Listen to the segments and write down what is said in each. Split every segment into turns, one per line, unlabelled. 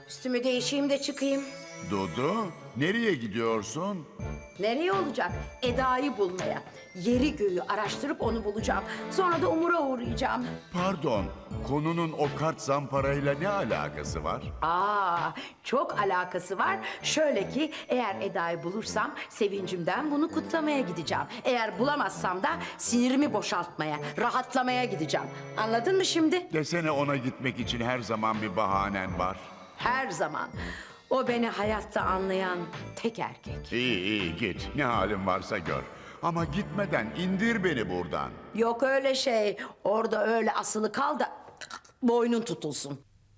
Üstümü değişeyim de çıkayım.
Dudu, nereye gidiyorsun?
Nereye olacak? Eda'yı bulmaya. Yeri göğü araştırıp onu bulacağım. Sonra da Umur'a uğrayacağım.
Pardon, konunun o kart zamparayla ne alakası var?
Çok alakası var. Şöyle ki eğer Eda'yı bulursam sevincimden bunu kutlamaya gideceğim. Eğer bulamazsam da sinirimi boşaltmaya, rahatlamaya gideceğim. Anladın mı şimdi?
Desene ona gitmek için her zaman bir bahanen var.
Her zaman. O beni hayatta anlayan tek erkek.
İyi git, ne halin varsa gör. Ama gitmeden indir beni buradan.
Yok öyle şey. Orada öyle asılı kal da boynun tutulsun.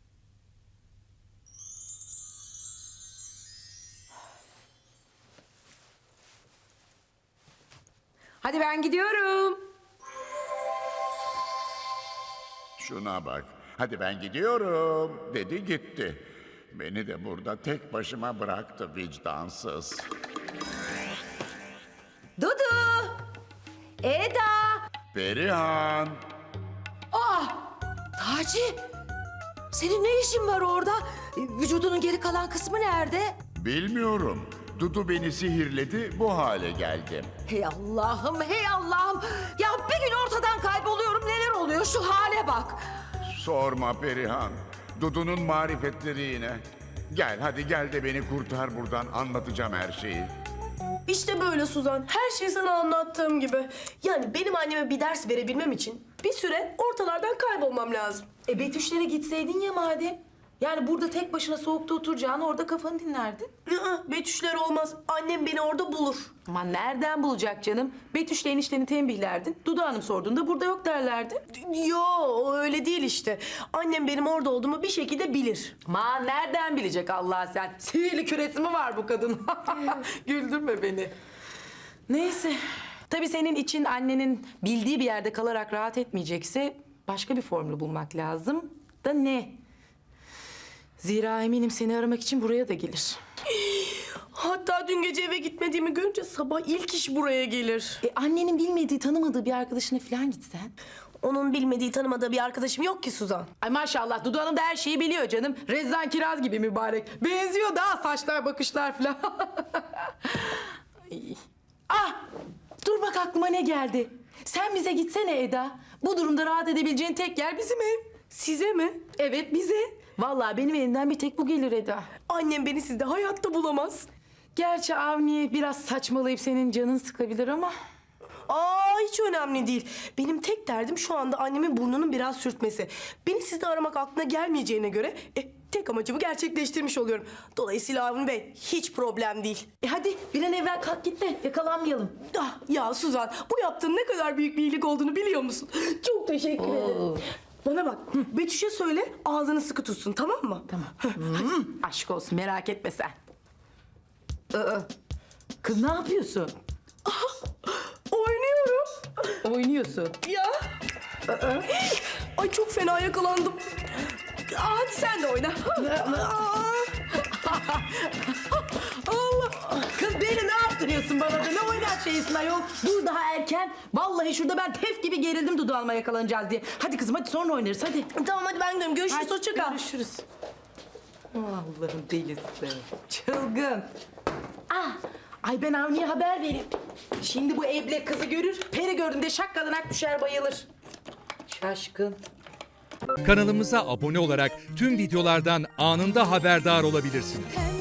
Hadi ben gidiyorum.
Şuna bak, hadi ben gidiyorum dedi gitti. Beni de burada tek başıma bıraktı vicdansız.
Dudu! Eda!
Perihan!
Taci, senin ne işin var orada? Vücudunun geri kalan kısmı nerede?
Bilmiyorum. Dudu beni sihirledi, bu hale geldim.
Hey Allah'ım, hey Allah'ım. Ya bir gün ortadan kayboluyorum, neler oluyor? Şu hale bak.
Sorma Perihan. Dudu'nun marifetleri yine. Gel hadi gel de beni kurtar buradan, anlatacağım her şeyi.
İşte böyle Suzan. Her şeyi sana anlattığım gibi. Yani benim anneme bir ders verebilmem için bir süre ortalardan kaybolmam lazım.
Betüşlere gitseydin ya madem. Yani burada tek başına soğukta oturacağını orada kafanı dinlerdin.
Betüşler olmaz. Annem beni orada bulur.
Aman nereden bulacak canım? Betüşle enişteni tembihlerdin. Dudu Hanım sorduğunda burada yok derlerdi.
Yo öyle değil işte. Annem benim orada olduğumu bir şekilde bilir.
Aman nereden bilecek Allah sen? Sihirli küresi mi var bu kadın? Güldürme beni. Neyse. Tabii senin için annenin bildiği bir yerde kalarak rahat etmeyecekse başka bir formül bulmak lazım. Da ne? Zira eminim seni aramak için buraya da gelir.
Hatta dün gece eve gitmediğimi görünce sabah ilk iş buraya gelir.
Annenin bilmediği, tanımadığı bir arkadaşına falan gitsen.
Onun bilmediği, tanımadığı bir arkadaşım yok ki Suzan.
Ay maşallah Dudu Hanım da her şeyi biliyor canım. Rezzan Kiraz gibi mübarek. Benziyor daha saçlar bakışlar falan. Ay. Dur bak aklıma ne geldi. Sen bize gitsene Eda. Bu durumda rahat edebileceğin tek yer bizim ev.
Size mi?
Evet bize. Vallahi benim elimden bir tek bu gelir Eda.
Annem beni sizde hayatta bulamaz.
Gerçi Avni biraz saçmalayıp senin canın sıkabilir ama...
Hiç önemli değil. Benim tek derdim şu anda annemin burnunun biraz sürtmesi. Beni sizde aramak aklına gelmeyeceğine göre tek amacımı gerçekleştirmiş oluyorum. Dolayısıyla Avni Bey hiç problem değil.
Hadi bir an evvel kalk git de yakalanmayalım.
Ya Suzan bu yaptığın ne kadar büyük bir iyilik olduğunu biliyor musun? Çok teşekkür ederim. Bana bak Betüş'e söyle ağzını sıkı tutsun tamam mı?
Tamam. Aşk olsun merak etme sen. Kız ne yapıyorsun?
Oynuyorum.
Oynuyorsun.
Ya. Ay çok fena yakalandım. Hadi sen de oyna.
Allah! Kız beni ne yaptırıyorsun bana da? Ne oynar şeysin ayol? Dur daha erken. Vallahi şurada ben tef gibi gerildim Dudu Hanım'a yakalanacağız diye. Hadi kızım hadi sonra oynarız hadi.
Tamam hadi ben gidiyorum. Görüşürüz. Hoşça kal.
Görüşürüz. Allah'ın delisi. Çılgın. Ay ben Avni'ye haber vereyim. Şimdi bu eble kızı görür. Peri gördüğünde şakkadanak düşer bayılır. Şaşkın.
Kanalımıza abone olarak tüm videolardan anında haberdar olabilirsiniz.